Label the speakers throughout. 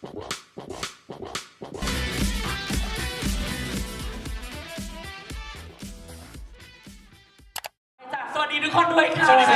Speaker 1: สวัสดีทุกคนด้วยค่ะ
Speaker 2: สวัสดีครับ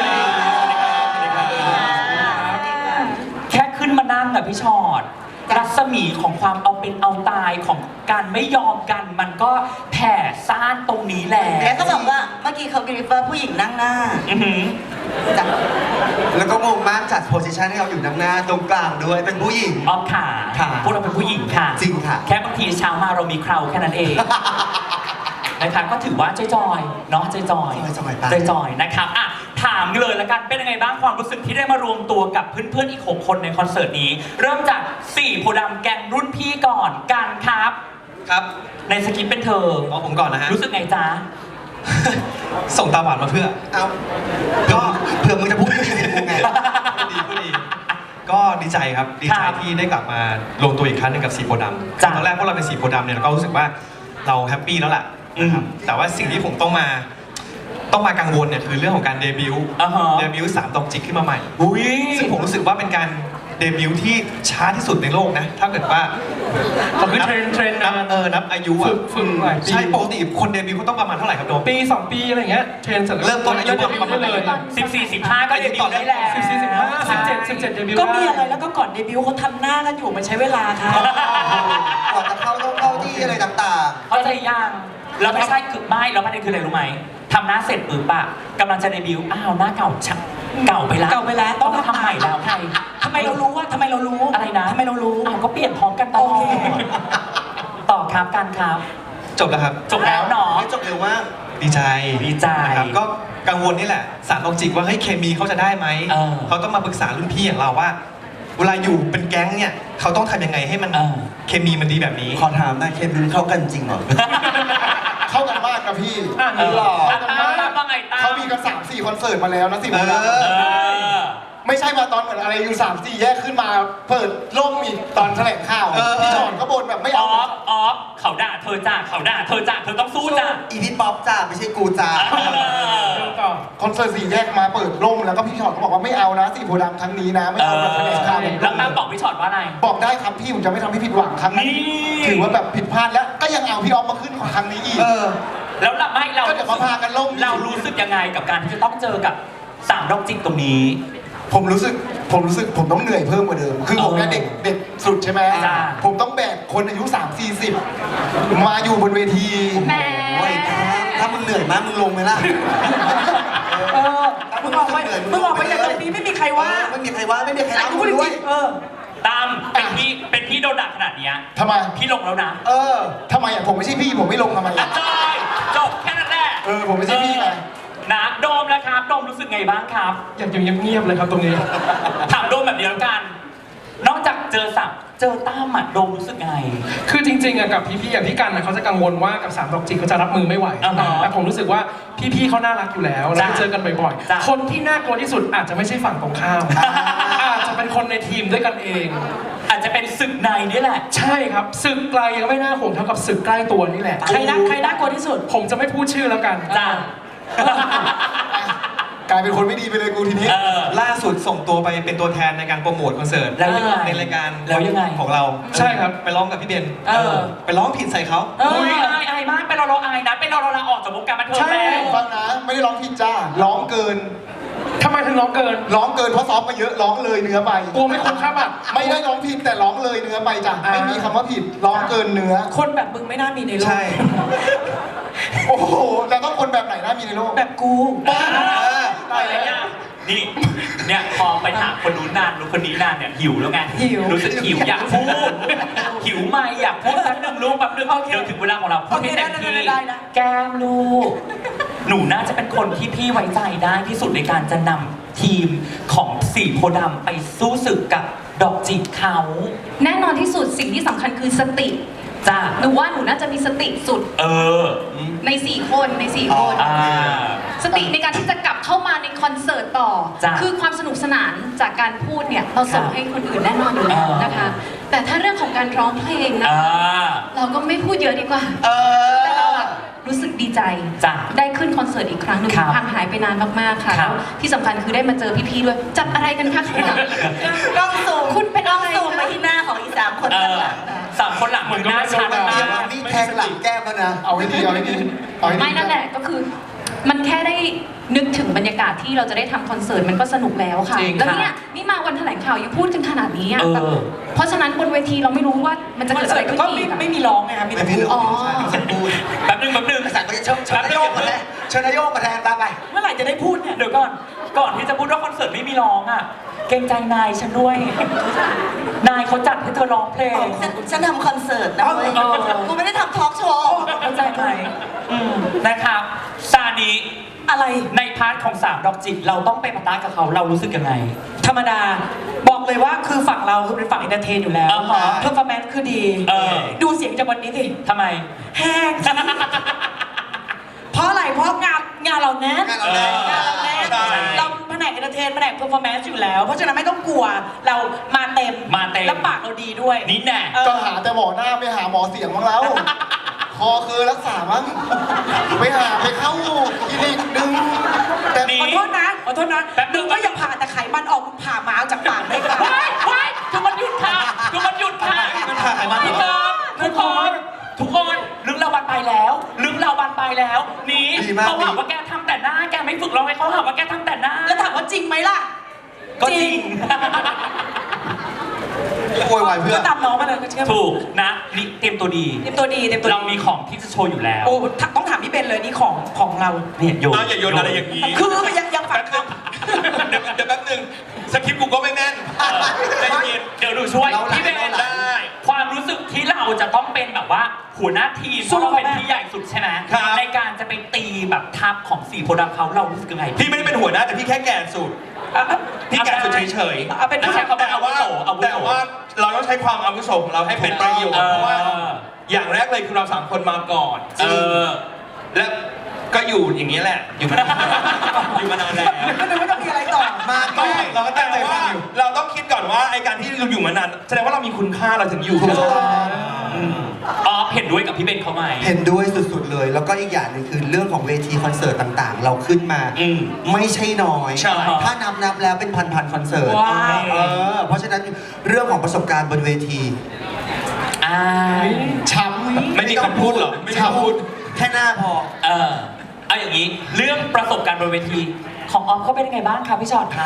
Speaker 1: แค่ขึ้นมานั่งอะพี่ชอดรัศมีของความเอาเป็นเอาตายของการไม่ยอมกันมันก็แผ่ซ่านตรงนี้แหละ
Speaker 3: แล้วก็บอกว่าเมื่อกี้เขากรีฟว่าผู้หญิงนั่งหน้า
Speaker 1: อือหือ
Speaker 3: จ้ะ
Speaker 2: แล้วก็งงมากจัดโพสิชันให้เราอยู่ด้านหน้าตรงกลางด้วยเป็นผู้หญิง
Speaker 1: อ้อมขา
Speaker 2: ค่ะ
Speaker 1: พวกเราเป็นผู้หญิงค่ะ
Speaker 2: จริงค่ะ
Speaker 1: แค่บางทีเช้ามาเรามีเคราแค่นั้นเอง นะครับก็ถือว่าจอยๆเนาะจอยๆ
Speaker 2: จอยๆไป
Speaker 1: จอยๆนะครับอ่ะถามเลยละกันเป็นยังไงบ้างความรู้สึกที่ได้มารวมตัวกับเพื่อนๆอีก6คนในคอนเสิร์ตนี้ เริ่มจาก4โพธิ์ดำแกงรุ่นพี่ก่อนกันครับ
Speaker 4: ครับ
Speaker 1: ในสคริปต์เป็นเธอ
Speaker 4: เอาผมก่อนนะฮะ
Speaker 1: รู้สึกไงจ๊ะ
Speaker 4: ส่งตาหวานมาเพื่อ
Speaker 2: เอาก็เผื่อมึงจะพูดไม่ดีกูไง
Speaker 4: พูดดี ก็ดีใจครับ ดีใจ
Speaker 1: ครับ
Speaker 4: ที่ได้กลับมารวมตัวอีกครั้งหนึงกับสีโพธิ์ดำ
Speaker 1: จ้ะ
Speaker 4: ตอนแรกพวกเราเป็นสีโพธิ์ดำเนี่ยเราก็รู้สึกว่าเราแฮปปี้แล้วล่ะนะครับ แต่ว่าสิ่งที่ผมต้องมากังวลเนี่ยคือเรื่องของการเดบิวต์
Speaker 1: อ่าฮะ
Speaker 4: เดบิวต์3ดอกจิกขึ้นมาใหม่
Speaker 1: อุ้ย
Speaker 4: ซึ่งผมรู้สึกว่าเป็นการเดบิวต์ที่ช้าที่สุดในโลกนะ ถ้าเกิดว่า
Speaker 5: ผมคือเทรน
Speaker 4: นับอายุอ่ะ
Speaker 5: ฝึกหลายปี
Speaker 4: ใช่ปกติคนเดบิวต์เขาต้องประมาณเท่าไหร่ครับโดม
Speaker 5: ปี 2 ปีอะไรอย่างเงี้ยเทรนเสร็จแล้ว
Speaker 4: เริ่มต้นอายุ
Speaker 5: เดบิวต์ได้เลย
Speaker 1: 14-15 ก็เดบิวต์ได้แล้ว
Speaker 5: 14 15 17เดบิวต์
Speaker 3: ก็มีอะไรแล้วก็ก่อนเดบิวต์เขาทำหน้ากันอยู่มันใช้เวลาค่ะ
Speaker 2: ก่อนจะเข้าต้องเข้าที่อะไรต่าง
Speaker 1: เข้าใจยังแล้วไม่ใช่คือไม่แล้วประเด็นคืออะไรรู้ไหมทำหน้าเสร็จปุ๊บอะกำลังจะเดบิวต์อ้าวหน้าเก่าชักเก่าไปแล้ว
Speaker 3: เก่าไปแล้ว
Speaker 1: ต้องมาทำใหม่แล้วใคร
Speaker 3: ทำไมเรารู้ว่าทำไมเรารู้
Speaker 1: อะไรนะ
Speaker 3: ทำไมเรารู้
Speaker 1: อ้าวก็เปลี่ยนพร้อมกันตลอ
Speaker 3: โอเค
Speaker 1: ดต่อครับกันครับ
Speaker 4: จบแล้วครับ
Speaker 1: จบแล้วเนาะ
Speaker 2: ๆไม่จบเร็วมาก
Speaker 4: ดีใจ
Speaker 1: ดีใจ
Speaker 4: นะครับก็กังวลนี่แหละสารตองจิกว่าเฮ้ยเคมีเขาจะได้ไหม
Speaker 1: เออ
Speaker 4: เขาต้องมาปรึกษารุ่นพี่อย่างเราว่า เวลาอยู่เป็นแก๊งเนี่ยเขาต้องทำยังไงให้มัน
Speaker 1: เออ
Speaker 4: เคมีมันดีแบบนี้
Speaker 2: ขอถามนะเคมีเข้ากันจริงเหรอ
Speaker 6: เข้ากันมากนะพี่
Speaker 1: เออ
Speaker 6: หล่อ
Speaker 1: อ่ะตามว่าไงตาม
Speaker 6: เขามีกัน3-4 คอนเสิร์ตมาแล้วนะสิ
Speaker 2: เออ
Speaker 1: เออ
Speaker 6: ไม่ใช่มาตอนเหมือนอะไรอยู่3-4 แยกขึ้นมาเปิดโล่งอีกตอนแถลงข่าว
Speaker 2: เออ
Speaker 6: พี่ชอนก็บ่นแบบไม่
Speaker 1: อ
Speaker 6: เอา
Speaker 1: อฟเขาด่าเธอจ้าเขาด่าเธอจ้าเธอต้องสู้จ้า
Speaker 2: อีพี่ป๊อปจ้าไม่ใช่กูจ้า
Speaker 5: ต่อ
Speaker 6: คอนเสิร์ต4 แยกมาเปิดโล่งแล้วก็พี่ชอนก็บอกว่าไม่เอานะสีโพธิ์ดำครั้งนี้นะไม่เอามาแถลงข่าวแบบ
Speaker 1: แล้วตามบอกพี่ชอตว่าไง
Speaker 6: บอกได้ครับพี่ผมจะไม่ทำให้ผิดหวังครั้งนี้
Speaker 1: นี่
Speaker 6: ถือว่าแบบผิดพลาดแล้วก็ยังเอาพี่ออฟมาขึ้นของครั้งนี้อีก
Speaker 2: เออ
Speaker 1: แล้วเราไม่เรา
Speaker 6: ก็เดี๋ยวมาพากันล่ม
Speaker 1: เรารู้สึกยังไงกับการที่จะต้องเจอกับ3ดอกจิกตรงนี้
Speaker 6: ผมรู้สึกผมต้องเหนื่อยเพิ่มกว่าเดิม คือผมเนี่ยเด็กสุดใช่ไหม
Speaker 1: จ้า
Speaker 6: ผมต้องแบกคนอายุ3-40 มาอยู่บนเวที
Speaker 3: แหม
Speaker 2: โอ้ยถ้ามึงเหนื่อยมากมึงลงไหมล่ะ
Speaker 3: เออมึงออกไปจากตรงนี้ไม่มีใครว่า
Speaker 2: ไม่มีใครว่าไม่มีใคร
Speaker 3: ไอ้
Speaker 2: รับ
Speaker 3: กู
Speaker 2: มึ
Speaker 3: พูด
Speaker 2: ง
Speaker 3: จ
Speaker 2: ด้วย
Speaker 3: ริงๆเออ
Speaker 1: ตามเป็นพี่โดนด่าขนาดเนี้ย
Speaker 6: ทำไม
Speaker 1: พี่ลงแล้วนะ
Speaker 2: เออ
Speaker 6: ทำไมอ่ะผมไม่ใช่พี่ผมไม่ลงทำไม
Speaker 1: อ่ะ
Speaker 6: อ่ะ
Speaker 1: จอยจบแค่นั้นแหละ
Speaker 6: ผมไม่ใช่พี่ไง
Speaker 1: นะโดมแล้วครับโดมรู้สึกไงบ้างครับ
Speaker 5: อยากอยู่เงียบๆเลยครับตรงนี้
Speaker 1: ถามโดมแบบเดียวกัน นอกจากเจอตั้มอ่ะโดมรู้สึกไง
Speaker 5: คือจริงๆอะกับพี่ๆอย่างพี่กันนะเขาจะกังวลว่ากับ3ดอกจิกเขาจะรับมือไม่ไหว
Speaker 1: อ่าฮะ
Speaker 5: แต่ผมรู้สึกว่าพี่ๆเขาน่ารักอยู่แล้วแล้ว
Speaker 1: จ้ะ
Speaker 5: เจอกันบ่อย
Speaker 1: จ้ะ
Speaker 5: ๆ คนที่น่ากลัวที่สุดอาจจะไม่ใช่ฝั่งตรงข้ามอาจจะเป็นคนในทีมด้วยกันเอง
Speaker 1: อาจจะเป็นศึกในนี่แหละ
Speaker 5: ใช่ครับศึกไกลยังไม่น่าห่วงเท่ากับศึกใกล้ตัวนี่แหละ
Speaker 3: ใครน่ากลัวที่สุด
Speaker 5: ผมจะไม่พูดชื่อแล้วกัน
Speaker 1: จ้า
Speaker 6: กลายเป็นคนไม่ดีไปเลยกูทีนี้
Speaker 1: เออ
Speaker 4: ล่าสุดส่งตัวไปเป็นตัวแทนในการโปรโมทคอนเสิร์ต
Speaker 1: แล้วยังไง
Speaker 4: ในรายการ
Speaker 1: แล้วยังไง
Speaker 4: ของเรา
Speaker 5: ใช่ครับ
Speaker 4: ไปร้องกับพี่เบน
Speaker 1: เออ
Speaker 4: ไปร้องผิดใส่เขา
Speaker 1: อุ้ยอายมากเป็นเราอายนะเป็นเราลาออกจากวงการบันเทิง
Speaker 5: ใช่
Speaker 1: แล้ว
Speaker 6: ฟังนะ ไม่ได้ร้องผิดจ้า ร้องเกิน
Speaker 5: ทำไมถึงร้องเกิน
Speaker 6: ร้องเกินเพราะซ้อมมาเยอะ ร้องเลยเนื้อไป
Speaker 5: กลัวไม่คุ้มค่าบัตร
Speaker 6: ไม่ได้ร้องผิดแต่ร้องเลยเนื้อไปจ้ะ ไม่มีคำว่าผิด ร้องเกินเนื้อ
Speaker 3: คนแบบมึงไม่น่ามีในโลก
Speaker 2: ใช่
Speaker 6: โอ้โหแล้วต้องคนแบบไหนน่ามีในโลก
Speaker 3: แบบกู
Speaker 6: บ้า
Speaker 1: อะไรเนี่ยนี่เนี่ยพอไปถามคนนู้นนานคนนี้นานเนี่ยหิวแล้วไง
Speaker 3: หิว
Speaker 1: รู้สึกหิวอยากพูดหิวไม่อยากพูดแป๊บนึงลูกแป๊บนึง
Speaker 3: โอเค
Speaker 1: เดี๋ยวถึงเวลาของเราพูดให้เต็มที่
Speaker 3: ได้นะ
Speaker 1: แก้มลูก หนูน่าจะเป็นคนที่พี่ไว้ใจได้ที่สุดในการจะนำทีมของสีโพธิ์ดำไปสู้ศึกกับดอกจิกเขา
Speaker 7: แน่นอนที่สุดสิ่งที่สำคัญคือสติ
Speaker 1: จ้า
Speaker 7: หนูว่าหนูน่าจะมีสติสุด
Speaker 1: เออ
Speaker 7: ใน 4 คนใน 4 คน
Speaker 1: อ่า
Speaker 7: สติในการที่จะกลับเข้ามาในคอนเสิร์ตต่อ
Speaker 1: จ้ะ
Speaker 7: คือความสนุกสนานจากการพูดเนี่ยเราส่ง
Speaker 1: ครับ
Speaker 7: ให้คนอื่นแน่นอนอยู่แล้วนะคะ แต่ถ้าเรื่องของการร้องเพลงนะ
Speaker 1: อ่า
Speaker 7: เราก็ไม่พูดเยอะดีกว่า
Speaker 1: เออ
Speaker 7: แต่เราอะรู้สึกดีใจ
Speaker 1: จ้ะ
Speaker 7: ได้ขึ้นคอนเสิร์ตอีกครั้งหนึ่ง
Speaker 1: ครับ
Speaker 7: ห่างหายไปนานมากๆค่ะ
Speaker 1: ครับ
Speaker 7: แล้วที่สำคัญคือได้มาเจอพี่ๆด้วย จับอะไรกันคะข้างหลัง
Speaker 3: กล้องซูม
Speaker 7: คุณเป็น
Speaker 3: กล้อง
Speaker 7: อะไร
Speaker 3: ซูม
Speaker 7: คะ
Speaker 3: ไปที่หน้าของอี3 คน
Speaker 1: มึงหน้าชัดมาก
Speaker 2: มีแทงหลังแก้มแล้วนะ
Speaker 6: เอาให้ดีเอาให้ดีเอาให้ดี
Speaker 7: ไม่นั่นแหละก็คือมันแค่ได้นึกถึงบรรยากาศที่เราจะได้ทำคอนเสิร์ตมันก็สนุกแล้วค่ะ
Speaker 1: จริง
Speaker 7: แล้ว
Speaker 1: ค่ะ
Speaker 7: เนี่ยนี่มาวันแถลงข่าวยังพูดกันขนาดนี้อ่ะ
Speaker 1: เออ
Speaker 7: แบบเพราะฉะนั้นบนเวทีเราไม่รู้ว่ามันจะ
Speaker 3: คอ
Speaker 7: เกิ
Speaker 3: น
Speaker 7: ดอะ
Speaker 3: เสิ
Speaker 7: ไร
Speaker 3: ร์ต
Speaker 7: ขึ้น
Speaker 3: ก็อีกไม่มีร้องไงคะมีแต่
Speaker 2: ไม่
Speaker 3: พู
Speaker 2: มี
Speaker 3: ด
Speaker 2: ลูกฉันพูด
Speaker 1: แป๊บนึง
Speaker 2: ภาษาก็จะเชิญนายโยกมาแทนเชิญนายโยกมาแทนตามไป
Speaker 3: เมื่อไหร่จะได้พูดเนี่ย
Speaker 1: เดี๋ยวก่อนที่จะพูดว่าคอนเสิร์ตไม่มีร้องอ่ะ เกรงใจนายฉันด้วย นายเขาจัดให้เธอร้องเพลง
Speaker 8: ฉันทำคอนเสิร์ตนะเว้ย
Speaker 1: เออ
Speaker 8: กูไม่ได้ทำทอล์กโชว์
Speaker 1: เข้าใจไหมนะครับซานี
Speaker 3: อะไร
Speaker 1: ในพาร์ทของ3ดอกจิกเราต้องไปปะทะกับเขาเรารู้สึกยังไง
Speaker 3: ธรรมดาบอกเลยว่าคือฝั่งเราคือเป็นฝั่งเอนเตอร์เทนอยู่แล้ว
Speaker 1: อ่าฮะ
Speaker 3: เพอร์ฟอร์แมนซ์คือดี
Speaker 1: เออ
Speaker 3: ดูเสียงจากวันนี้สิ
Speaker 1: ทำไม
Speaker 3: แห้ง เพราะอะไรเพราะงานเราแน่น
Speaker 2: งานเราแน่น
Speaker 3: งานเราแน่น
Speaker 1: ใช่
Speaker 3: เราแผนกเอนเตอร์เทนแผนกเพอร์ฟอร์แมนซ์อยู่แล้ว เพราะฉะนั้นไม่ต้องกลัวเรามาเต็ม
Speaker 1: มาเต็ม
Speaker 3: แล้วปากเราดีด้วย
Speaker 1: นี่แน่
Speaker 3: เออ
Speaker 6: ก็หาแต่หมอหน้าไม่หาหมอเสียงบ้างแล้ว คอเคยรักษามั้งไปหาไปเข้าคลินิกดึงแต่
Speaker 1: นี่
Speaker 3: ขอโทษนะขอโทษนะ
Speaker 1: แป๊บนึ
Speaker 3: มึ
Speaker 1: ง
Speaker 3: งก็ยังผ่าแต่ไขมันออกมึงผ่าหมาจากปากได้ค่ะ
Speaker 1: ว้ายทุกคนหยุดค่ะทุกคนหยุดค่ะ
Speaker 4: มันถ่ายมา
Speaker 1: ทุกคนทุกคนลึกเราบานไปแล้วลึกเราบานไปแล้วนี่
Speaker 2: ดีมาก
Speaker 1: เขาหาว่าแกทำแต่หน้าแกไม่ฝึกร้องให้เขาหาว่าแกทำแต่หน้า
Speaker 3: แล้วถามว่าจริงไหมล่ะ
Speaker 1: ก็จริง
Speaker 2: โวยวายเพื่อ
Speaker 3: ก็ตามน้องมาเลยก็เชื่อ
Speaker 1: ถูกนะนี่เตรียมตัวดี
Speaker 3: เต็มตัวดีเต็มตัวดี
Speaker 1: เรามีของที่จะโชว์อยู่แล้ว
Speaker 3: โอ้ต้องถามพี่เบนเลยนี่ของเรา
Speaker 1: เนี่ยโยน
Speaker 9: อย่าโยนอะไรอย่างนี้
Speaker 3: คือยังฝังค
Speaker 9: เดี๋ยวแป๊บนึงสคริปต์กูก็ไม่แน่นใจเย็น
Speaker 1: เดี๋ยวดูช่วย
Speaker 2: เราหลัง
Speaker 1: พี่เบน
Speaker 2: เราหลัง
Speaker 1: ได้ ความรู้สึกที่เราจะต้องเป็นแบบว่าหัวหน้าทีมเพราะเราเป็นที่ใหญ่สุดใช่ไหม
Speaker 9: ครับ
Speaker 1: ในการจะไปตีแบบทัพของ4โพธิ์ดำเขาเรารู้สึกยังไง
Speaker 9: พี่ไม่ได้เป็นหัวหน้าแต่พี่แค่แก่สุด
Speaker 3: ำ
Speaker 9: พี่แก่สุดเฉย
Speaker 3: เอาเป็นผู้ชาย
Speaker 1: เขาเป็นอาวุโสอาวุโส
Speaker 9: แต่ว่าเราต้องใช้ความอาวุโสของเราให้เป็นประโยชน์เพราะว่า อย่างแรกเลยคือเรา3คนมาก่อน
Speaker 1: เออ
Speaker 9: และก็อยู่อย่างนี้แหละ อยู่มานานอยู่มานานแล้ว
Speaker 3: ก็เลยไม่ต้องมีอะไรต่อ
Speaker 2: มาก่อน
Speaker 9: เราก็ตั้งใจฟังอยู่เราต้องคิดก่อนว่าไอการที่เราอยู่มานานแสดงว่าเรามีคุณค่าเราถึงอยู่
Speaker 2: ถูกต้อง
Speaker 1: อ๋อเห็นด้วยกับพี่เบนเขาไหม
Speaker 2: เห็นด้วยสุดๆเลย แล้วก็อีกอย่างหนึงคือเรื่องของเวทีคอนเสิร์ตต่างๆ เราขึ้นมา
Speaker 1: อืม
Speaker 2: ไม่ใช่น้อย
Speaker 9: ใช่
Speaker 2: ถ้านับแล้วเป็นพันๆคอนเสิร์ต
Speaker 3: ว้าว
Speaker 2: เพราะฉะนั้นเรื่องของประสบการณ์บนเวที
Speaker 1: อ่า
Speaker 6: ช้ำ
Speaker 9: ไม่มีคำพูดหรอไม่มีคำพูด
Speaker 2: แค่หน้าพอ
Speaker 1: เอาอย่างนี้เรื่องประสบการณ์บนเวทีของออฟก็เป็นยังไงบ้างคะพี่ชอตคะ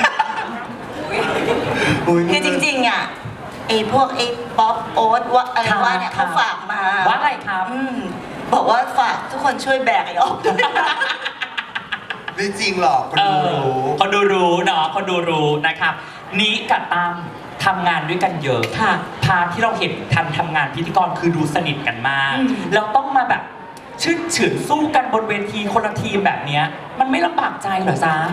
Speaker 8: คือจริงๆอ่ะไอ้พวกไอ้ป๊อปโอ๊ตว่าอะไรว่าเนี่ยเขาฝากมา
Speaker 1: ว่าอะไรครับ
Speaker 8: บอกว่าฝากทุกคนช่วยแบกไอ้ออก
Speaker 2: ไม่จริงหรอกคนดูรู้
Speaker 1: คนดูรู้เนาะคนดูรู้นะครับนี้กับตามทำงานด้วยกันเยอะ
Speaker 3: ค่ะ
Speaker 1: พาร์ทที่เราเห็นทันทำงานพิธีกรคือดูสนิทกันมาก
Speaker 3: อืม
Speaker 1: แล้วต้องมาแบบชื่นเฉือนสู้กันบนเวทีคนละทีมแบบเนี้ยมันไม่ลำบากใจเหรอจ๊ะ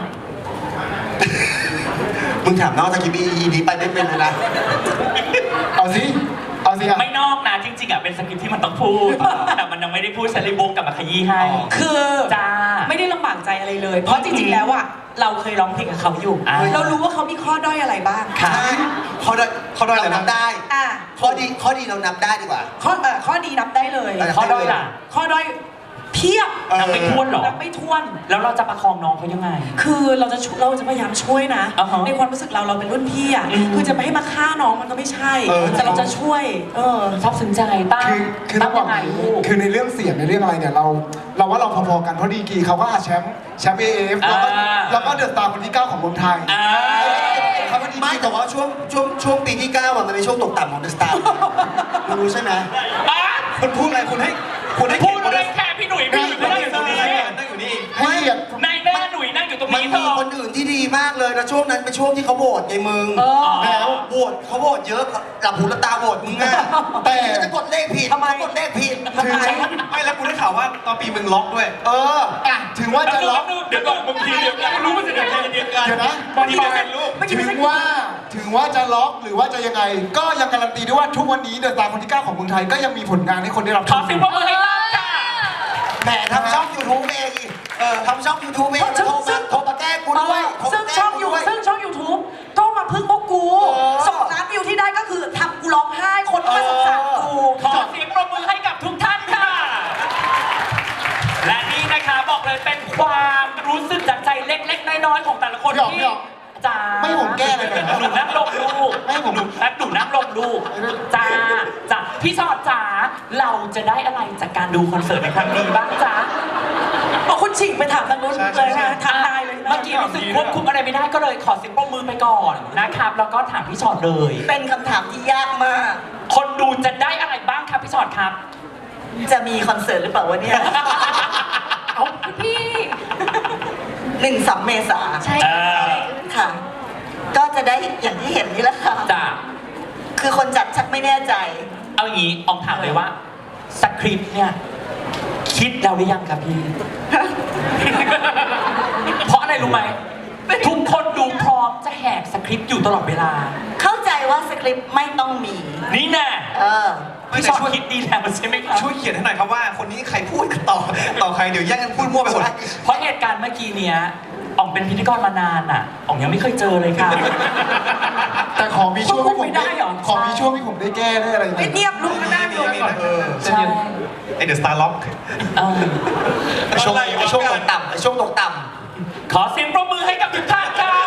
Speaker 2: มึงถามน้องตะกี้อีนี้ไปไม่เป็นเลยนะ
Speaker 6: เอาสิเอาสิอ่ะ
Speaker 1: ไม่นอกนะจริงๆอ่ะเป็นสคริปต์ที่มันต้องพูด แต่มันยังไม่ได้พูดฉันเลยโบกกลับมาขยี้ให้
Speaker 3: คือ
Speaker 1: จ้า
Speaker 3: ไม่ได้ลำบากใจอะไรเลย เพราะจริงๆแล้วอ่ะเราเคยร้องเพลงกับเขาอยู่
Speaker 1: อ่า
Speaker 3: เรารู้ว่าเขามีข้อด้อยอะไรบ้าง
Speaker 2: ใช่เขาได้เรานับได้
Speaker 3: อ่ะ
Speaker 2: ข้อดีเรานับได้ดีกว่า
Speaker 3: ข้อดีนับได้เลย
Speaker 1: ข้อด้อยล่ะ
Speaker 3: ข้อด้อยเพียบ
Speaker 1: นับไม่ถ้วนหรอ
Speaker 3: นับไม่ถ้วน
Speaker 1: แล้วเราจะประคองน้องเขายังไง
Speaker 3: คือเราจะพยายามช่วยนะ
Speaker 1: อ่าฮะ
Speaker 3: ในความรู้สึกเราเป็นรุ่นพี่อ่ะ
Speaker 1: อืม
Speaker 3: คือจะไปให้มาฆ่าน้องมันก็ไม่ใช่ แต่เราจะช่วย
Speaker 1: ชอบสนใจตั้ง
Speaker 6: คือ
Speaker 1: ตั้
Speaker 6: ต้อง งบอก
Speaker 1: ยังไง
Speaker 6: อย่าง
Speaker 1: ลู
Speaker 6: นี้
Speaker 1: ก
Speaker 6: คือในเรื่องเสียงในเรื่องอะไรเนี่ยเราว่าเราพอๆกันเพราะดีกรีเขาก็แชมป์AF แล้วก็เดอะสตาร์คนที่ 9 ของเมืองไทย
Speaker 1: อ่า
Speaker 6: เขาเป็นดี
Speaker 2: ไม่แต่ว่าช่วงปีที่9มันเป็นช่วงตกต่ำของเดอะสตาร์รู้ใช่ไหม
Speaker 4: คุณพูดอะไรคุณให้
Speaker 1: พูดอะไรแค่พี่หนุ่ยพี่หนุ่ยไม่ได้อยู่ตรงนี้
Speaker 4: นั่งอยู่นี่
Speaker 6: ให้เกียรติ
Speaker 1: นายแม่หนุ่ยนั่งอยู่ตรง
Speaker 2: มัน
Speaker 1: นี้เธ
Speaker 2: มี
Speaker 1: อ
Speaker 2: คนอื่นที่ดีมากเลยแล้วช่วงนั้นเป็นช่วงที่เขาโหวตไงมึง
Speaker 3: เออ
Speaker 2: แล้วโหวตเขาโหวตเยอะหลับหูหลับตาโหวตมึงอ่ะแต่จะกดเลขผิด
Speaker 3: ทำไม
Speaker 2: กดเลขผิด
Speaker 6: ถึง
Speaker 4: ไม่แล้วกูได้ข่าวว่าตอนปีมึงล็อกด้วย
Speaker 2: เออ
Speaker 6: อ่ะถึงว่าจะล็อก
Speaker 9: เดี๋ยวก่อนบางทีเดี๋ยวกันรู้ว่าจะเดี๋ยวกันเดียวกัน
Speaker 6: เดี๋ยวนะ
Speaker 9: บางทีจะเป็นลูก
Speaker 6: ถึงว่าจะล็อกหรือว่าจะยังไง ก็ยังการันตีด้วยว่าทุกวันนี้เดอะสตาร์คนที่ 9 ของเมืองไทยก็ยังมีผลงานให้คนได้รับช
Speaker 1: ขอ
Speaker 6: ม
Speaker 1: เสิบปรบมือให้ตั้งค่ะ
Speaker 2: แหมทำช่อง YouTube เองอีกทำช่อง YouTube เองโทรมาแก้กูด้วยโทร
Speaker 3: ซึ่ง
Speaker 2: มาแก้
Speaker 3: ช่อง
Speaker 2: กู
Speaker 3: ยู
Speaker 2: ด้วย
Speaker 3: ซึ่งช่อง YouTube ก็มาพึ่งพวกกู
Speaker 2: เออ
Speaker 3: 2 ล้านวิวที่ได้ก็คือทำกูร้องไห้คนก็มาสงสารกู
Speaker 1: ขอเสียงปรบมือให้กับทุกท่านค่ะ และนี่นะคะบอกเลยเป็นความรู้สึกจากใจเล็กๆน้อยๆของแต่ละคน
Speaker 6: พี่
Speaker 1: ที่
Speaker 6: อ๋อ
Speaker 1: จ้า
Speaker 6: ไม่ผมแก้เลยนะ
Speaker 1: หนูนั่งลงลูก
Speaker 6: ไม่ผม
Speaker 1: หนูนั่งลงลูกจ้าพี่ชอดจ้าเราจะได้อะไรจากการดูคอนเสิร์ตในครั้งนี้บ้างจ๊ะ
Speaker 3: บอกคุณฉิงไปถามทางนู้น
Speaker 4: ใช่
Speaker 3: เลย
Speaker 4: ใช่
Speaker 3: นะถามนายเลยนะ
Speaker 1: เมื่อกี้รู้สึกควบคุมอะไรไม่ได้ก็เลยขอเสียงปรบมือไปก่อนนะครับ แล้วก็ถามพี่ชอตเลย
Speaker 8: เป็นคำถามที่ยากมาก
Speaker 1: คนดูจะได้อะไรบ้างครับพี่ชอตครับ
Speaker 8: จะมีคอนเสิร์ตหรือเปล่าวะเนี่ย
Speaker 7: เอาพี่
Speaker 8: 1-3 เมษา
Speaker 7: ใช่
Speaker 1: เออ
Speaker 8: ค่ะ ก็จะได้อย่างที่เห็นนี่แหละค่ะ
Speaker 1: จ้ะ
Speaker 8: คือคนจัดชักไม่แน่ใจ
Speaker 1: เอาอย่างนี้อองถามเลยว่าสคริปต์เนี่ยคิดแล้วหรือยังครับพี่ เพราะอะไรรู้ไหมทุกคนดูพร้อมจะแหกสคริปต์อยู่ตลอดเวลา
Speaker 8: เข้าใจว่าสคริปต์ไม่ต้องมี
Speaker 1: นี่แน่
Speaker 8: เออ
Speaker 1: พี่ชอตคิดดีแล้วใช่ไหมครับ
Speaker 4: ช่วยเขียนให้หน่อยครับว่าคนนี้ใครพูดต่อใครเดี๋ยวแย่งกันพูดมั่วไปหมด
Speaker 1: เพราะเหตุการณ์เมื่อกี้เนี้ยอ่องเป็นพิธีกรมานานอ่ะอ่องยังไม่เคยเจอเลยค่ะ
Speaker 6: แต่ขอมีช่วงที่ผม
Speaker 3: ไม่ได้เหรอ
Speaker 6: ขอมีช่วงที่ผมได้แก้ได้อะไรอย่าง
Speaker 3: ไม่
Speaker 6: เงี้ย
Speaker 3: เงียบลุกกันได้ลุก
Speaker 1: ใช่
Speaker 4: ไอเดอะสตาร์ล็อก
Speaker 1: เออ
Speaker 2: ช่วงตกต่ำช่วงตกต่
Speaker 1: ขอเสียงปรบมือให้กับทุกท่านครับ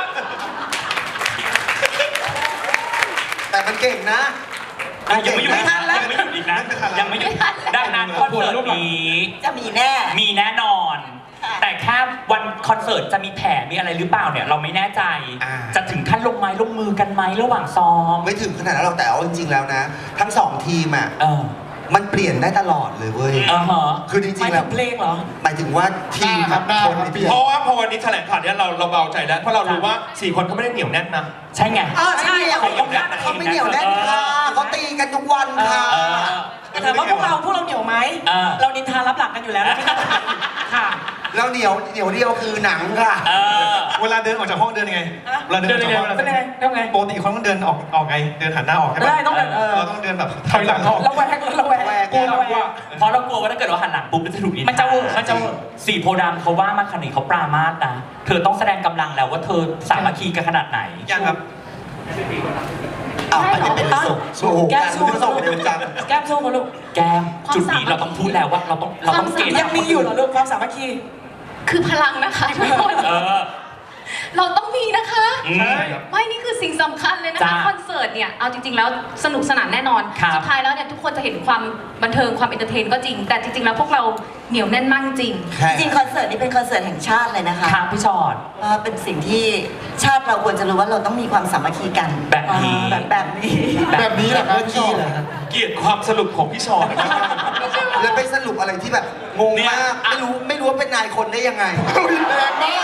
Speaker 2: ำแต่มันเก่งนะ
Speaker 1: ยังไม่หยุดนะยังไม่หยุดอีกนะยังไม่หยุดดังนั้นคอนเสิร์ตนี้
Speaker 8: จะมีแน่
Speaker 1: มีแน่นอน
Speaker 8: ค่ะ
Speaker 1: แต่แค่วันคอนเสิร์ตจะมีแผลมีอะไรหรือเปล่าเนี่ยเราไม่แน่ใจ จะถึงขั้นลงไม้ลงมือกันไหมระหว่างซ้อม
Speaker 2: ไม่ถึงขนาดนั้นเราแต่เอาจริงๆแล้วนะ ทั้งสองทีมอ่ะ
Speaker 1: เออ
Speaker 2: มันเปลี่ยนได้ตลอดเลยเว้ย
Speaker 1: อ่าฮะ
Speaker 2: คือจ
Speaker 3: ห
Speaker 2: ริ
Speaker 3: มาง ย
Speaker 2: ๆแล้
Speaker 3: ถึ
Speaker 2: ว
Speaker 3: งเพลงเหรอ
Speaker 2: หมายถึงว่าทีม
Speaker 6: ครับได้
Speaker 2: คน
Speaker 6: ครับ
Speaker 2: ใน
Speaker 6: เป
Speaker 2: ที
Speaker 6: ลี่ย
Speaker 2: ม
Speaker 6: น
Speaker 9: เพราะว่าพอวันนี้แถลงข่าวเนี้ยเราเบาใจแล้วเพราะเรารู้ว่า4 คนเขาไม่ได้เหนียวแน่นนะ
Speaker 1: ใช่ไง
Speaker 3: ใช่
Speaker 2: เขาไม่เหนียวแน่นค่ะเขาตีกันทุกวันค่ะ
Speaker 1: เออ
Speaker 3: แต่ถามว่าพวกเราเหนียวไหม เรานินทารับหลังกันอยู่แล้วนะค่ะ
Speaker 2: แล้วเหนียวเดียวคือหนังค่ะ
Speaker 1: เออ
Speaker 4: เวลาเดินออกจากห้องเดินยังไงเวลาเดินออกจากห้อง
Speaker 3: เป็นยังไงเป็นยังไง
Speaker 4: ปกติคนต้องเดินออกไงเดินหันหน้าออกใช่ปะ
Speaker 3: ได้ต้องเดิน
Speaker 4: เราต้องเดินแบบ
Speaker 5: ถอยหลังออก
Speaker 3: ระแวงระแวงกลัวระแวง
Speaker 1: เพราะเรากลัวว่าถ้าเกิดเราหันหลังปุ๊บมันจะถูกนินทา
Speaker 3: มันจะเวอร์มันจะเวอร์
Speaker 1: สี่โพธิ์ดำเขาว่ามาขนาดนี้เขาปรามาสนะ เธอต้องแสดงกำลังแล้วว่าเธอสามัคคีกันขนาดไหน
Speaker 4: ยังครับ
Speaker 2: อ้าวอันนี้เป็นส่งโอ้โห
Speaker 3: แก้มสู้
Speaker 2: ส่งเร็วจัง
Speaker 3: แก้มสู้เขาลูก
Speaker 1: แก้มจุดนี้เราต้องพูดแล้วว่าเราต้องเกณฑ์
Speaker 3: ยังมีอยู่เหรอลูกความสามัคคี
Speaker 7: คือพลังนะคะทุกคน
Speaker 1: เออ
Speaker 7: เราต้องมีนะคะ
Speaker 1: อืม
Speaker 7: ไม่นี่คือสิ่งสำคัญเลยนะคะ
Speaker 1: จ้า
Speaker 7: คอนเสิร์ตเนี่ยเอาจริงๆแล้วสนุกสนานแน่นอน
Speaker 1: ครับ
Speaker 7: สุดท้ายแล้วเนี่ยทุกคนจะเห็นความบันเทิงความเอนเตอร์เทนก็จริง แต่จริงๆแล้วพวกเราเหนียวแน่นมากจริง
Speaker 8: จริงๆคอนเสิร์ตนี้เป็นคอนเสิร์ตแห่งชาติเลยนะคะ
Speaker 1: ครับพี่ชอด
Speaker 8: ว่าเป็นสิ่งที่ชาติเราควรจะรู้ว่าเราต้องมีความสามัคคีกัน
Speaker 1: แบบนี้
Speaker 8: แบบนี้
Speaker 6: แบบนี้แหละครับพี่ชอบ
Speaker 9: เกลียดความสรุปของพี่ชอน
Speaker 2: แล้วไปสรุปอะไรที่แบบงง
Speaker 1: เนี่ย
Speaker 2: มาก ไม่รู้ว่าเป็นนายคนได้ยังไง
Speaker 6: แรงมาก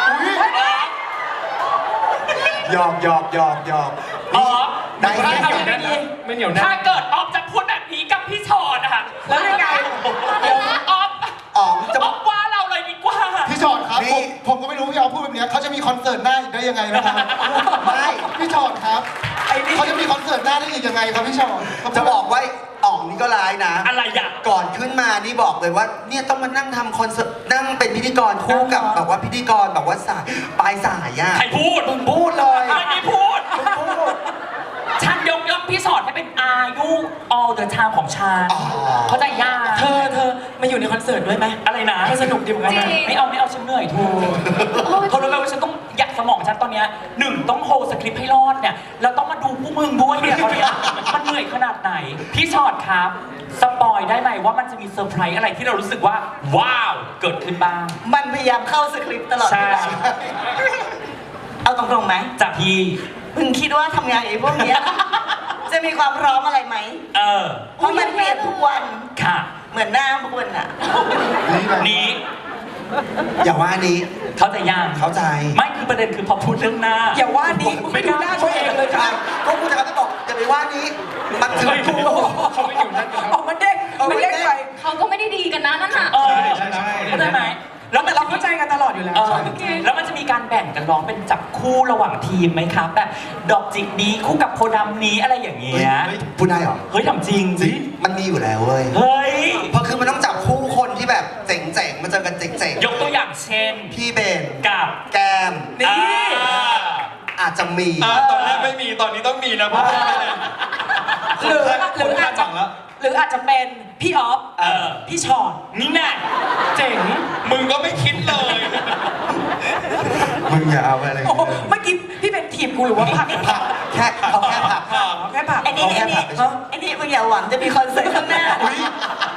Speaker 2: หยอก
Speaker 1: อ๋อ
Speaker 2: ได้
Speaker 3: ไม่
Speaker 2: ไง
Speaker 3: ดีไม่ดี
Speaker 5: ไม่เหนียวแน่
Speaker 1: ถ้าน เกิดออฟจะพูดแบบนี้กับพี่ชอดอะ
Speaker 3: แล้วยังไง
Speaker 1: ออฟ
Speaker 2: อ๋องจะ
Speaker 1: ออฟว่าเราเลยดีกว่า
Speaker 6: พี่ชอดครับ
Speaker 2: นี่
Speaker 6: ผมก็ไม่รู้พี่เอาพูดแบบเนี้ยเขาจะมีคอนเสิร์ตหน้าอีกได้ยังไงนะครับ
Speaker 2: ไม่
Speaker 6: พี่ชอดครับเขาจะมีคอนเสิร์ตหน้าได้อีกยังไงครับพี่ชอด
Speaker 2: จะบอกว่าอ๋องนี่ก็ร้ายนะ
Speaker 1: อะไรอ่ะ
Speaker 2: ก่อนขึ้นมานี่บอกเลยว่าเนี่ยต้องมานั่งทำคอนเสิร์ตนั่งเป็นพิธีกรคู่กับแบบว่าพิธีกรแบบว่าสายปลายสายอ่ะ
Speaker 1: ใครพูด
Speaker 2: มึงพูดเลย
Speaker 1: ไม่ได้พูด
Speaker 2: มึงพูด
Speaker 1: ฉันยกย่องพี่ชอดให้เป็นอายุ all the time ของฉัน
Speaker 2: อ๋อ
Speaker 1: เขาใจยาก
Speaker 3: เธอมาอยู่ในคอนเสิร์ตด้วยไหม
Speaker 1: อะไรนะ
Speaker 3: ให้สนุกดีเหมือนกันนะ
Speaker 7: จริง
Speaker 1: ไม่เอาฉันเหนื่อยทูเขารู้ไหมว่าฉันต้องอยากสมองฉันตอนเนี้ยหนึ่งต้องโฮสคริปต์ให้รอดเนี่ยแล้วต้องมาดูพวกมึงด้วยเนี่ยตอนเนี้ยมันเหนื่อยขนาดไหน พี่ชอดครับ สปอยได้ไหมว่ามันจะมีเซอร์ไพรส์อะไรที่เรารู้สึกว่า ว้าว เกิดขึ้นบ้าง
Speaker 8: มันพยายามเข้าสคริปต์ตลอดเวลา
Speaker 1: ใช่
Speaker 8: เอาตรงๆไหม
Speaker 1: จากพี่
Speaker 8: มึงคิดว่าทำงานไอ้พวกเนี้ย จะมีความพร้อมอะไรไหม
Speaker 1: เออ
Speaker 8: เพราะมันเปลี่ยนทุกวัน
Speaker 1: ค่ะ
Speaker 8: เหมือนหน้าพวกคุณอะ
Speaker 1: นี้
Speaker 2: อย่าว่านี้
Speaker 1: เข้าใจยัง
Speaker 2: เข้าใจ
Speaker 1: ไม่คือประเด็นคือพอพูดเรื่องหน้า
Speaker 3: อย่าว่านี้ไม่ดูหน้าตัวเองเลยค่ะ
Speaker 2: ก็กูจะบอกอย่าไปว่านี้ มันถึงกู
Speaker 5: เขาไม่เหนียวแน่นกันแล้ว
Speaker 3: ออกมันเด้งมันเด้งไป
Speaker 7: เขาก็ไม่ได้ดีกันนะนั่นน่ะ
Speaker 1: เออ
Speaker 4: ใช่ใช่
Speaker 1: เข้าใจไหมแล้ว
Speaker 3: แต่เราเข้าใจกันตลอดอยู่แล้ว
Speaker 1: เออแล้วมันจะมีการแบ่งกันร้องเป็นจับคู่ระหว่างทีมไหมครับ แบบดอกจิกนี้คู่กับโพธิ์ดำนี้อะไรอย่างเงี้ย
Speaker 2: พูดได้เหรอ
Speaker 1: เฮ้ยทำจริงสิ
Speaker 2: มันมีอยู่แล้วเว้ย
Speaker 1: เฮ้ย
Speaker 2: เพราะคือมันต้องจับคู่คนที่แบบเจ๋งๆมาเจอกันเจ๋ง
Speaker 1: ยกตัวอย่างเช่น
Speaker 2: ๆพี่เบน
Speaker 1: กับ
Speaker 2: แกม
Speaker 1: นี่
Speaker 2: อาจจะมี
Speaker 9: ตอนแรกไม่มีตอนนี้ต้องมีนะเพราะว่า
Speaker 3: หรืออาจจะหรืออาจจะเป็นพี่ออฟ
Speaker 1: เออ
Speaker 3: พี่ชอด
Speaker 1: นี่แน่
Speaker 3: เจ๋ง
Speaker 9: มึงก็ไม่คิดเลย
Speaker 2: มึงอย่าเอาอะไร
Speaker 3: โอ้โหเมื่อกี้พี่เป็นทีมกูหรือว่าผัก
Speaker 2: ผักแค่เขาแค่ผัก
Speaker 3: แค่ผัก
Speaker 8: ไอ้นี่มึงอย่าหวังจะมีคอนเสิร์ตข้างหน้า
Speaker 2: อุ๊ย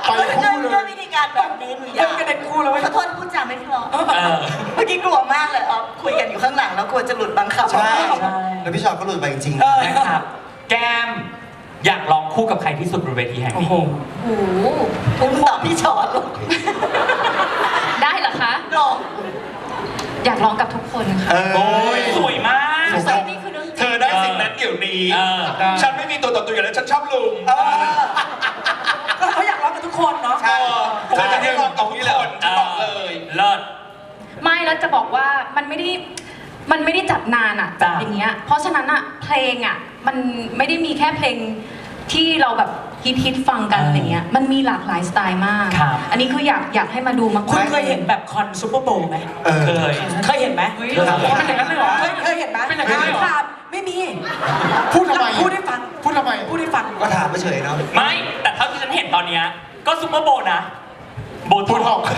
Speaker 6: ไปคู่เล
Speaker 8: ด้วย
Speaker 6: ย
Speaker 8: วิธีการแบบนี้หนูอยาก
Speaker 3: กระเด็นคู่แล้ว
Speaker 8: ขอโทษพูดจาไม่เพราะ
Speaker 1: เออ
Speaker 8: เมื่อกี้กลัวมากเลยอ๋อคุยกันอยู่ข้างหลังแล้วกลัวจะหลุดบางคำ
Speaker 2: ใช่
Speaker 1: ใช่
Speaker 2: แล้วพี่ชอตก็หลุดไปจริงๆ
Speaker 1: นะครับ แก้มอยากลองคู่กับใครที่สุดบนเวทีแห่ง
Speaker 3: โอ้
Speaker 1: นี้
Speaker 3: โห
Speaker 7: โอ้โห
Speaker 8: คุณตอบพี่ชอตลูก
Speaker 7: ได้เหรอคะ
Speaker 8: ลอง
Speaker 7: อยากร้องกับทุกคนค่ะ
Speaker 1: โอ้ยสวยมาก
Speaker 7: แต่นี่คือเรื่องจ
Speaker 9: เธ
Speaker 7: ริง
Speaker 9: อได้สิ่งนั้นเดี๋ยวนี้
Speaker 1: เออ
Speaker 9: ฉันไม่มีตัวต่อตัวอยู่แล้วฉันชอบลุง
Speaker 3: ก็เขาอยากร้องกับทุกคนเนาะ
Speaker 2: ใช่
Speaker 9: เธอจะได้ลองกับทุกคนฉันบอกเลย
Speaker 1: เลิศ
Speaker 7: ไม่แล้วจะบอกว่ามันไม่ได้จัดนานอะ
Speaker 1: จ้ะ
Speaker 7: อย่างเงี้ย เพราะฉะนั้นอะเพลงอะมันไม่ได้มีแค่เพลงที่เราแบบฮิตฟังกันอะไรเงี้ย มันมีหลากหลายสไตล์มาก
Speaker 1: ครับ
Speaker 7: อันนี้คืออยากให้มาดูมากๆ
Speaker 3: คุณเคยเห็นแบบคอนซูเปอร์โบว์ไหม
Speaker 1: เคย
Speaker 3: เคยเห็นไหม
Speaker 7: เฮ้ย
Speaker 5: เป็นอย่างนั้นเลยเหรอ
Speaker 3: เคยเห็นไหม
Speaker 5: เป็นอย่างนั้นเลยเหรอ
Speaker 3: ครับไม่มี
Speaker 6: พูดทำไม
Speaker 3: พูดให้ฟัง
Speaker 6: พูดทำไม
Speaker 3: พูดให้ฟัง
Speaker 2: ก็ถามเฉยๆเนาะ
Speaker 1: ไม่ แต่เท่าที่ฉันเห็นตอนเนี้ยก็ซุปเปอร์โบว์นะ โบ
Speaker 6: พูด
Speaker 1: ท็
Speaker 6: อ
Speaker 1: อ
Speaker 6: อก ก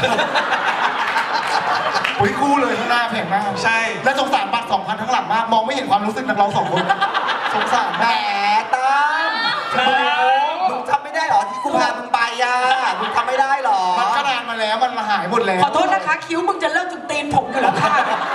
Speaker 6: อุ้ยคู่เลยข้างหน้าแพงมาก
Speaker 4: ใช่
Speaker 6: และสงสารบัตร 2,000 ทั้งหลังมาก มองไม่เห็นความรู้สึกนักร้องสองคน สงสาร
Speaker 2: แหม
Speaker 6: มาก
Speaker 2: ตั้มมึงทำไม่ได้เหรอที่กูพามึงไปอ่ะมึงทำไม่ได้เหรอ
Speaker 6: มันก็นานมาแล้ว มันหายหมดแล้ว
Speaker 3: ขอโทษนะคะ คิ้วมึงจะเลิกจนตีนผมอยู่แล้วค่ะ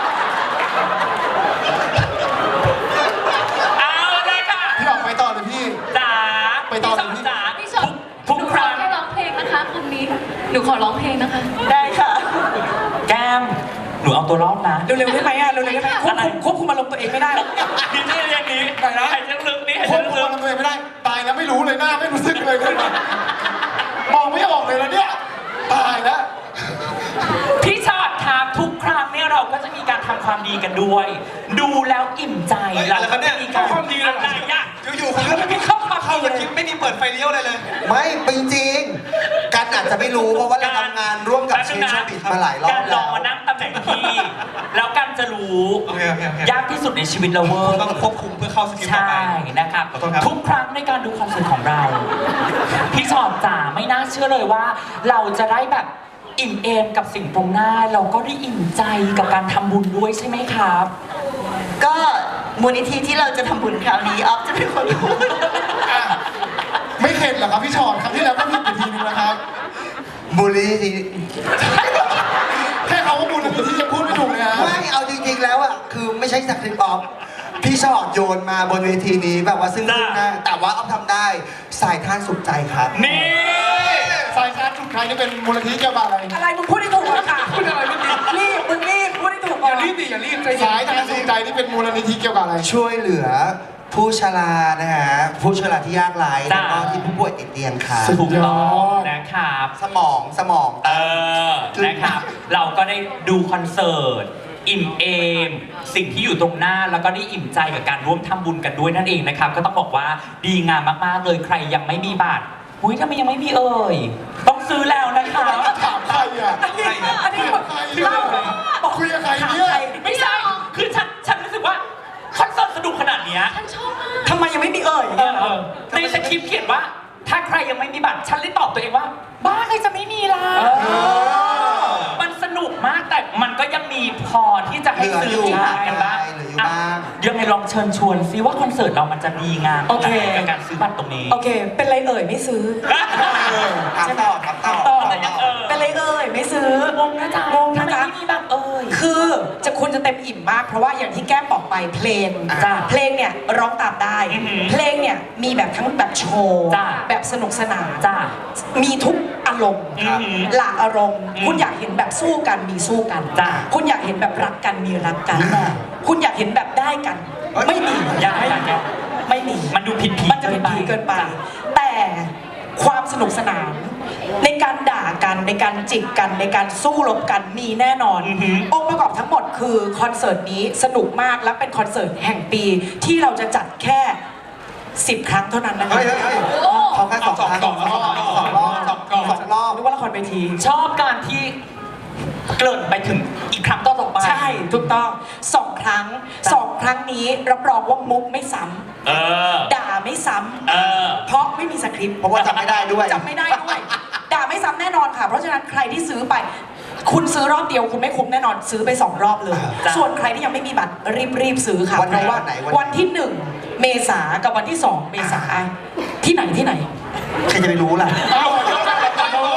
Speaker 1: เอาเลยค่ะ
Speaker 6: พี่ออกไปต่อเลยพี่
Speaker 1: จ๋า
Speaker 6: ไปต่อ
Speaker 1: พี่สอนจ๋า
Speaker 7: พี่ชอต
Speaker 1: ทุก
Speaker 7: หนู
Speaker 1: ค
Speaker 7: ขอ
Speaker 1: รั้ง
Speaker 7: แค่ร้องเพลงนะคะคนนี้ หนูขอร้องเพลงนะคะ
Speaker 8: ได้ค่ะ
Speaker 1: แก้ม หนูเอาตัวรอดนะ
Speaker 3: เร็วๆได้ไหมอะเร็วๆได้ไหมควบคุมอารมณ์ตัวเองไม่ได้หรอก
Speaker 1: นี่จะเรียนนี้
Speaker 3: ไปนะ
Speaker 1: หายใจลึกๆนี่หาย
Speaker 6: ค
Speaker 1: ใจ
Speaker 6: นพู
Speaker 1: ลึ
Speaker 6: ด
Speaker 1: ก
Speaker 6: มันตัวเองไม่ได้ ตายแล้วไม่รู้เลยหน้าไม่รู้สึกเลยเลยมองไม่ออกเลยแล้วเนี่ย ตายแล้ว
Speaker 1: ๆพี่ชอตครับทุกครั้งเนี่ยเราก็จะมีการทำความดีกันด้วย ดูแล้วอิ่มใจ
Speaker 4: เฮ้ย
Speaker 1: เรา
Speaker 4: อะไรครั
Speaker 1: ก็
Speaker 4: บเนี่
Speaker 1: จะ
Speaker 4: ย
Speaker 1: มีการ
Speaker 4: ความดีเลยเหรอ
Speaker 1: อะไรอะ
Speaker 4: อยู่ๆคุณก็ไม่เข้ามาเข้าสคริปต์ไม่มีเปิดไฟเลี้ยวอะไรเลย
Speaker 2: ไม่จริงๆกันอาจจะไม่รู้เพราะว่าเราทำงานร่วมกับเชนชบิดมาหลายรอบ
Speaker 1: การล
Speaker 2: แล้
Speaker 1: อง
Speaker 2: ว
Speaker 1: มานั่งตำแหน่งพี่ แล้วกันจะรู้
Speaker 4: โอเค
Speaker 1: ยากที่สุดในชีวิตเราเวอ
Speaker 4: คุณ
Speaker 1: ร์
Speaker 4: ต้องควบคุมเพื่อเข้าสคริปต์ต่อ
Speaker 1: ใช่
Speaker 4: ไป
Speaker 1: นะครับ
Speaker 4: ขอโทษครับ
Speaker 1: ทุกครั้งในการดูคอนเสิร์ตของเรา พี่ชอตจ๋าไม่น่าเชื่อเลยว่า เราจะได้แบบอิ่มเอมกับสิ่งตรงหน้า เราก็ได้อิ่มใจกับการทำบุญด้วยใช่ไหมครับ
Speaker 8: ก็มูลนิธิที่เราจะทำบุญคราวนี้ออฟจะเป็นคนพูด
Speaker 6: อ่ะไม่เข็ดเหรอครับพี่ชอนครั้งที่แล้วก็ผิดไปทีนึงนะครับ
Speaker 2: บุรีที
Speaker 6: แค่เขาว่าบุญนิธิยังพูดไม่ถูกเลยนะ
Speaker 2: ไม่เอาจริงๆแล้วอ่ะคือไม่ใช่จากคลิปออฟพี่ชอตโยนมาบนเวทีนี้แบบว่าซึ่งหน้าแต่ว่าออฟทำได้สายทานสุขใจครับ
Speaker 1: นี่
Speaker 6: สายการสุดท้ายนี่เป็นมูลนิธิเกี่ยวกับอะไร
Speaker 3: อะไรมึงพูดให้ถูกก่อนค่ะ
Speaker 5: พูดอะไรไม่ดี
Speaker 3: รีบมึงรีบพูดให้ถูก
Speaker 5: อ
Speaker 3: ก่อน
Speaker 5: ย่ารีบดิอย่ารีบใจเย็น
Speaker 6: สายการสุดใจนี่เป็นมูลนิธิเกี่ยวกับอะไร
Speaker 2: ช่วยเหลือผู้ชรานะฮะผู้ชราที่ยากไร้
Speaker 1: จ้า
Speaker 2: แล้วก็ที่ผู้ป่วยติดเตียงครับ
Speaker 1: ถูกต้องนะครับ
Speaker 2: สมอง
Speaker 1: เออ นะครับ เราก็ได้ดูคอนเสิร์ต อิ่มเอม สิ่งที่อยู่ตรงหน้า แล้วก็ได้อิ่มใจกับการร่วมทำบุญกันด้วยนั่นเองนะครับ ก็ต้องบอกว่าดีงามมากๆเลย ใครยังไม่มีบัตรอุ้ยทำไมยังไม่มีเอ่ย ต้องซื้อแล้วนะคะ
Speaker 6: ถามใครอ่ะ
Speaker 3: อันนี้แบบ
Speaker 6: ใคร
Speaker 3: เล่า
Speaker 6: อ่ะคุยกับใครเนี่ย
Speaker 1: ไม่ใช่ คือฉันรู้สึกว่าคอนเสิร์ตสนุกขนาดเนี้ย
Speaker 7: ฉันชอบมาก
Speaker 3: ทำไมยังไม่มีเอ่ย
Speaker 1: ในสคริปต์เขียนว่า ถ้าใครยังไม่มีบัตร ฉันเลยตอบตัวเองว่า บ้าใครจะไม่มีล่ะ มันสนุกมากแต่มันก็ยังมีพอที่จะให้ซื้อบัตรกันบ้าง
Speaker 2: เหลืออยู่บ้าง
Speaker 1: ยังไงลองเชิญชวนซิว่าคอนเสิร์ตเรามันจะดีงาม
Speaker 3: โอเค
Speaker 1: กับการซื้อบัตรตรงนี้
Speaker 3: โอเค เป็นไรเอ่ยไม่ซื้อ
Speaker 2: ถามต่อถามต่อ
Speaker 3: ต่อ
Speaker 1: แต่ยัง
Speaker 3: เป็นไรเอ่ยไม่ซื้อง
Speaker 1: งนะจ๊ะ
Speaker 3: งงนะ
Speaker 1: ทำไม
Speaker 3: จ๊ะ
Speaker 1: ไม่มีบัตรเอ่ย
Speaker 3: คือคุณจะเต็มอิ่มมาก เพราะว่าอย่างที่แก้มบอกไปเพลง
Speaker 1: จ้ะ
Speaker 3: เพลงเนี่ยร้องตามได้
Speaker 1: อือหือ
Speaker 3: เพลงเนี่ยมีแบบทั้งแบบโชว์
Speaker 1: จ้ะ
Speaker 3: แบบสนุกสนาน
Speaker 1: จ้ะ
Speaker 3: มีทุกอารมณ์
Speaker 1: อือหือ
Speaker 3: หลากอารมณ์
Speaker 1: อืม
Speaker 3: คุณอยากเห็นแบบสู้กันมีสู้กัน
Speaker 1: จ้ะ
Speaker 3: คุณอยากเห็นแบบรักกันมีรักกัน คุณอยากเห็นแบบได้กัน
Speaker 2: เอ้ย
Speaker 3: ไม่มี
Speaker 1: อยากให้อยาก
Speaker 3: ไม่มี
Speaker 1: มันดูผิดผี
Speaker 3: มันจะผิดผีเกินไป
Speaker 1: จ้ะ
Speaker 3: แต่ความสนุกสนาน ในการด่ากันในการจิกกันในการสู้รบกันมีแน่นอน
Speaker 1: อือหือ
Speaker 3: องค์ประกอบทั้งหมดคือคอนเสิร์ตนี้สนุกมากและเป็นคอนเสิร์ตแห่งปีที่เราจะจัดแค่ 10 ครั้งเท่านั้นนะคะ
Speaker 2: เฮ้ยเขาแค่สองครั้งสองรอบ
Speaker 3: นึกว่าละครเวที
Speaker 1: ชอบการที่เกริ่นไปถึงอีกครั้งต่อไป
Speaker 3: ใช่ถูกต้อง2 ครั้ง 2 ครั้งนี้รับรองว่ามุกไม่ซ้
Speaker 1: เออ
Speaker 3: ำด่าไม่ซ้
Speaker 1: เออ
Speaker 3: ำเพราะไม่มีสคริปต์
Speaker 2: เพราะว่าจำไม่ได้ด้วย
Speaker 3: จำไม่ได้ด้วย ด่าไม่ซ้ำแน่นอนค่ะ เพราะฉะนั้นใครที่ซื้อไป คุณซื้อรอบเดียวคุณไม่คุ้มแน่นอนซื้อไป 2 รอบเลย
Speaker 1: จ้ะ
Speaker 3: ส่วนใครที่ยังไม่มีบัตรรีบซื้อค่ะ
Speaker 2: วันไหน
Speaker 3: เพราะว่า
Speaker 2: วันไหนวันไหน
Speaker 3: วันที่ 1 เมษากับวันที่ 2 เมษาที่ไหน
Speaker 2: ใครจะไปรู้ล่ะ
Speaker 6: เอา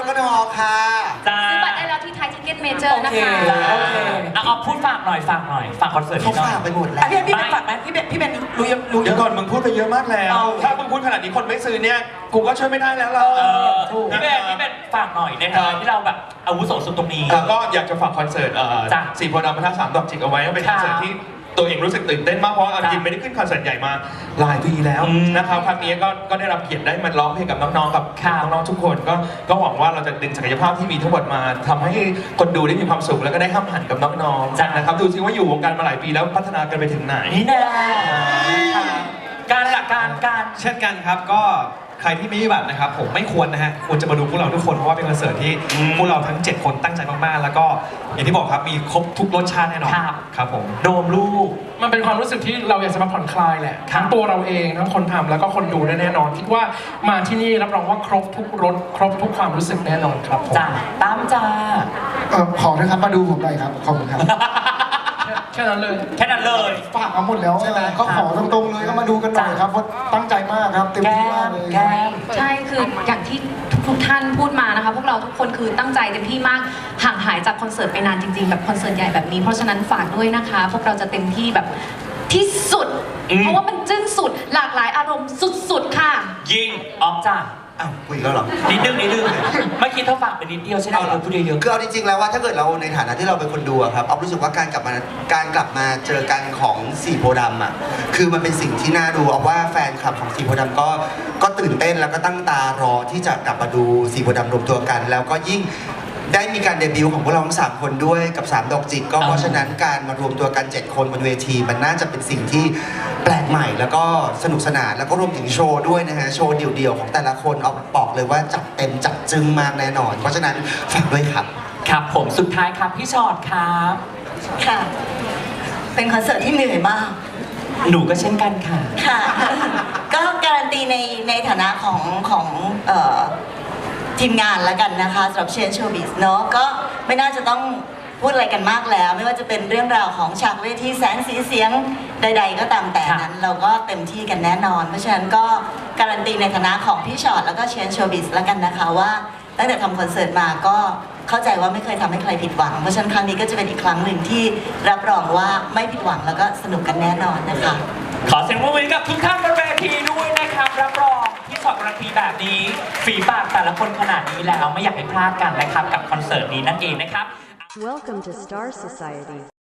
Speaker 2: กทค่ะ
Speaker 1: จ้า
Speaker 7: ซื้อบัตรได้แล้วที่ไทยทิเก็ตเมเจอร์นะ
Speaker 3: โอเค
Speaker 7: คะ
Speaker 1: จ้า
Speaker 3: โอเค
Speaker 1: เอาพูดฝากหน่อยฝากคอนเสิร์ต
Speaker 2: เขา
Speaker 1: นี้หน่อย
Speaker 2: ฝากไปหมดแล้
Speaker 3: อ่ะ
Speaker 2: ว
Speaker 3: พี่เป็นฝากไหมพี่เป็นรู้ยังรู้
Speaker 9: เดี๋ยวก่อนมึงพูดไปเยอะมากแล้ว
Speaker 3: เอา
Speaker 9: ถ้ามึงพูดขนาดนี้คนไม่ซื้อเนี่ย กูก็ช่วยไม่ได้แล้วล่ะ
Speaker 1: พี่เป็นฝากหน่อยในฐานะที่เราแบบอาวุโสสุดตรงนี้
Speaker 9: แล้วก็อยากจะฝากคอนเสิร์ต
Speaker 1: จ้ะ
Speaker 9: สี่โพธิ์ดำพระธาตุสามดอกจิกเอาไว้ว่าเป็นคอนเสิร์ตที่ตัวเองรู้สึกตื่นเต้นมากเพราะว่าเอาจริงไม่ได้ขึ้นคอนเสิร์ตใหญ่มาหลายปีแล้ว
Speaker 1: อืม
Speaker 9: นะครับครั้งนี้ก็ได้รับเกียรติได้มาร้องเพลงกับน้องๆกับ
Speaker 1: ครับ
Speaker 9: น้องๆทุกคนก็หวังว่าเราจะดึงศักยภาพที่มีทั้งหมดมาทำให้คนดูได้มีความสุขแล้วก็ได้ห้ามหันกับน้องๆนะครับดูซิว่าอยู่วงการมาหลายปีแล้วพัฒนากันไปถึงไหน
Speaker 1: นี่แน่การหลักการ
Speaker 4: เช่นกันครับก็ใครที่ไม่มีบัตรนะครับผมไม่ควรนะฮะควรจะมาดูพวกเราทุกคนเพราะว่าเป็นคอนเสิร์ตที่พวกเราทั้ง 7 คนตั้งใจมากๆ แล้วก็อย่างที่บอกครับมีครบทุกรสชาติแน่นอน
Speaker 1: ครับ
Speaker 4: ครับผม
Speaker 1: โดมลูก
Speaker 5: มันเป็นความรู้สึกที่เราอยากจะมาผ่อนคลายแหละทั้งตัวเราเองทั้งคนทำแล้วก็คนดูด้วยแน่นอน คิดว่ามาที่นี่รับรองว่าครบทุกรสครบทุกความรู้สึกแน่นอนครับผม
Speaker 1: จ้าตามจ้า
Speaker 6: ขอนะครับมาดูผมหน่อยครับขอบคุณครับ
Speaker 5: แค่นั้นเลย
Speaker 1: แค่นั้นเลย
Speaker 6: ฝากมาหมดแล้ว
Speaker 1: ใช่ไหม
Speaker 6: ก็ขอตรงๆเลยก็มาดูกันหน่อยครับเพราะตั้งใจมากครับเต็ม
Speaker 1: แก้
Speaker 6: ที่มาก
Speaker 1: ม
Speaker 6: เลย
Speaker 1: แก้ม
Speaker 7: ใช่คืออย่างที่ทุกท่านพูดมานะคะพวกเราทุกคนคือตั้งใจเต็มที่มากห่างหายจากคอนเสิร์ตไปนานจริงๆแบบคอนเสิร์ตใหญ่แบบนี้เพราะฉะนั้นฝากด้วยนะคะ พวกเราจะเต็มที่แบบที่สุด เพราะว่ามันจึ้งสุดหลากหลายอารมณ์สุดๆค่ะ
Speaker 1: ยิงออมจ้า
Speaker 2: อ้าวคุยแล้วเหรอ
Speaker 1: นิดนึงเมื่อกี้เธอฝากไปนิดเดียวใช่ไหมเราพูดเยอะ
Speaker 2: คือเอาจริงๆแล้วว่าถ้าเกิดเราในฐานะที่เราเป็นคนดูอะครับเอารู้สึกว่าการกลับมาเจอกันของสี่โพธิ์ดำอะคือมันเป็นสิ่งที่น่าดูเอาว่าแฟนคลับของสี่โพธิ์ดำก็ตื่นเต้นแล้วก็ตั้งตารอที่จะกลับมาดูสี่โพธิ์ดำรวมตัวกัน แล้วก็ยิ่งได้มีการเดบิวต์ของพวกเราทั้ง3คนด้วยกับ3ดอกจิกก็เพราะฉะนั้นการมารวมตัวกัน7คนบนเวทีมันน่าจะเป็นสิ่งที่แปลกใหม่แล้วก็สนุกสนานแล้วก็รวมถึงโชว์ด้วยนะฮะโชว์เดี่ยวๆของแต่ละคนเอาบอกเลยว่าจัดเต็มจัดจึ้งมากแน่นอน เพราะฉะนั้นฝากด้วยครับ
Speaker 1: ๆครับผมสุดท้ายครับพี่ชอตครับ
Speaker 8: ค่ะ เป็นคอนเสิร์ตที่เหนื่อยมาก
Speaker 1: หนูก็เช่นกันค่ะ
Speaker 8: ค่ะ ก็การันตีในฐานะของทีมงานแล้วกันนะคะสำหรับเชนโชว์บิสเนาะก็ไม่น่าจะต้องพูดอะไรกันมากแล้ว ไม่ว่าจะเป็นเรื่องราวของฉากเวทีแสงสีเสียงใด ๆ ก็ตามแต่นั้นเราก็เต็มที่กันแน่นอน เพราะฉะนั้นก็การันตีในฐานะของพี่ชอตแล้วก็เชนโชว์บิสแล้วกันนะคะว่าตั้งแต่ทำคอนเสิร์ตมาก็เข้าใจว่าไม่เคยทำให้ใครผิดหวังเพราะฉะนั้นครั้งนี้ก็จะเป็นอีกครั้งหนึ่งที่รับรองว่าไม่ผิดหวังแล้วก็สนุกกันแน่นอนนะคะ
Speaker 1: ขอเสียงปรบมือกับทุกท่านบนเวทีด้วยนะครับรับรองที่สอดการันตีแบบนี้ฝีปากแต่ละคนขนาดนี้แล้วไม่อยากให้พลาดกันนะครับกับคอนเสิร์ตนี้นั่นเองนะครับ
Speaker 10: Welcome to Star Society.